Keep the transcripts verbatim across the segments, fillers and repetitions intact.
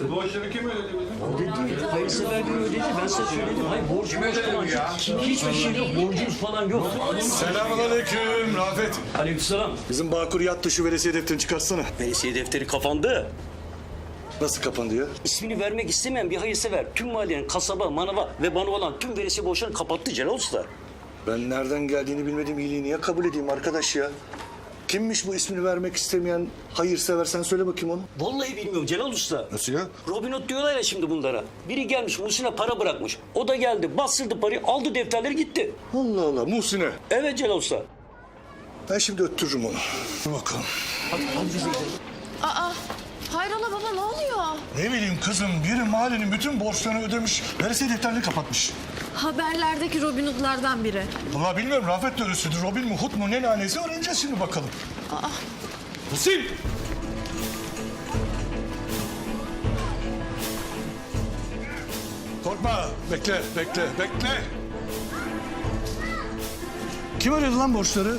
Borçları kim ödedi bizim? Ödedi. Hayırsever gün ödedi. Ben size söyledim. Hayır borç borç falan yok. Hiçbir şey yok. Borcumuz falan yok. Selamünaleyküm Rafet. Aleykümselam. Bizim Bağkur yattı, şu veresiye defterini çıkartsana. Veresiye defteri kapandı. Nasıl kapandı ya? İsmini vermek istemeyen bir hayırsever tüm mahallenin kasaba, manava ve bana olan tüm veresiye borçlarını kapattı Celal Usta. Ben nereden geldiğini bilmediğim iyiliği niye kabul edeyim arkadaş ya? Kimmiş bu ismini vermek istemeyen hayırsever, sen söyle bakayım onu. Vallahi bilmiyorum Celal Usta. Nasıl ya? Robin Hood diyorlar ya şimdi bunlara. Biri gelmiş Muhsin'e para bırakmış. O da geldi bastırdı parayı aldı defterleri gitti. Allah Allah, Muhsin'e. Evet Celal Usta. Ben şimdi öttürürüm onu. Dur bakalım. Hadi, hadi biz de gidelim. Aa, hayrola baba ne oluyor? Ne bileyim kızım, biri mahallenin bütün borçlarını ödemiş, veresiye defterini kapatmış. Haberlerdeki Robin Hood'lardan biri. Vallahi bilmiyorum, Rafet de ölüsüdür, Robin mi, Hood mu, ne lanesi öğreneceğiz şimdi bakalım. Aa. Muhsin! Korkma, bekle, bekle, bekle. Kim ödedi lan borçları?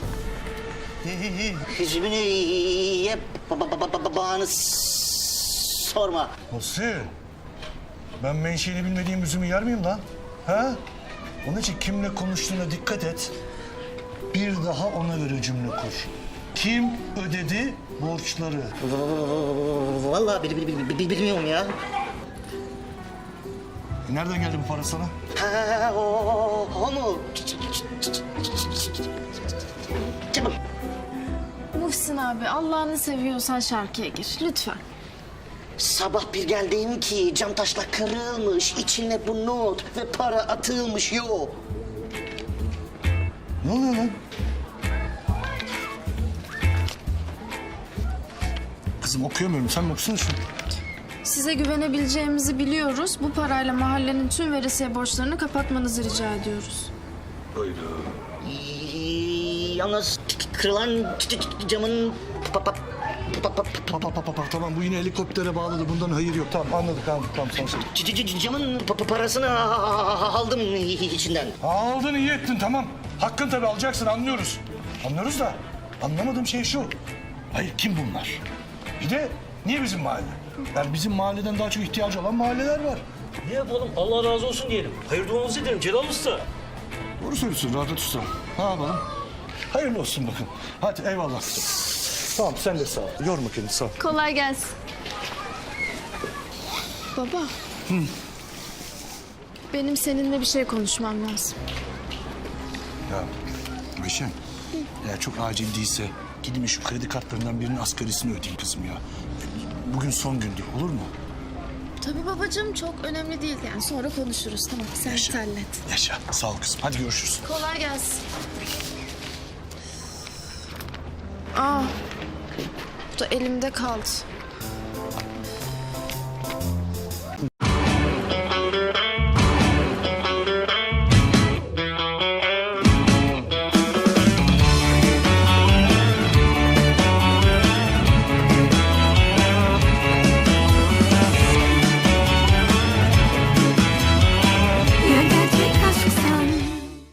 Hüzmünü ye ba- ba- ba- ba- bağını s- sorma. Muhsin, ben menşeini bilmediğim üzümü yer miyim lan? Ha? Onun için kimle konuştuğuna dikkat et. Bir daha ona göre cümle kur. Kim ödedi borçları? Vallahi bil, bil, bil, bil- bilmiyorum ya. E nereden geldi bu para sana? Ha, o, o, o mu? Çabuk. Muhsin abi Allah'ını seviyorsan şarkıya gir lütfen. Sabah bir geldim ki cam taşla kırılmış, içine bu not ve para atılmış yok. Ne oluyor lan? Kızım okuyamıyorum. Sen mi okusana şunu? Size güvenebileceğimizi biliyoruz. Bu parayla mahallenin tüm veresiye borçlarını kapatmanızı rica ediyoruz. Yalnız kırılan ç- ç- camın pa- pa- pa- pa- Pa, pa, pa, pa, pa. Tamam bu yine helikoptere bağladı. Bundan hayır yok. Tamam anladık anladık. Tamam sen söyle. c- c- c- camın pa- pa- parasını aldım içinden. Aldın iyi ettin tamam. Hakkın tabii alacaksın anlıyoruz. Anlıyoruz da anlamadığım şey şu. Hayır kim bunlar? Bir de niye bizim mahalle? Yani bizim mahalleden daha çok ihtiyacı olan mahalleler var. Ne yapalım Allah razı olsun diyelim. Hayır duamızı edelim Celal Usta. Doğru söylüyorsun Rafet Usta. Ne yapalım? Hayırlı olsun bakın. Hadi eyvallah. Tamam sen de sağ ol. Yorma kendini sağ ol. Kolay gelsin. Baba. Benim seninle bir şey konuşmam lazım. Ya Ayşen, eğer çok acil değilse gidin şu kredi kartlarından birinin asgarisini ödeyin kızım ya. Bugün son gündür olur mu? Tabii babacığım çok önemli değil yani sonra konuşuruz tamam sen Yaşa. hallet. Yaşa. Sağ ol kızım. Hadi görüşürüz. Kolay gelsin. Aa, bu da elimde kaldı.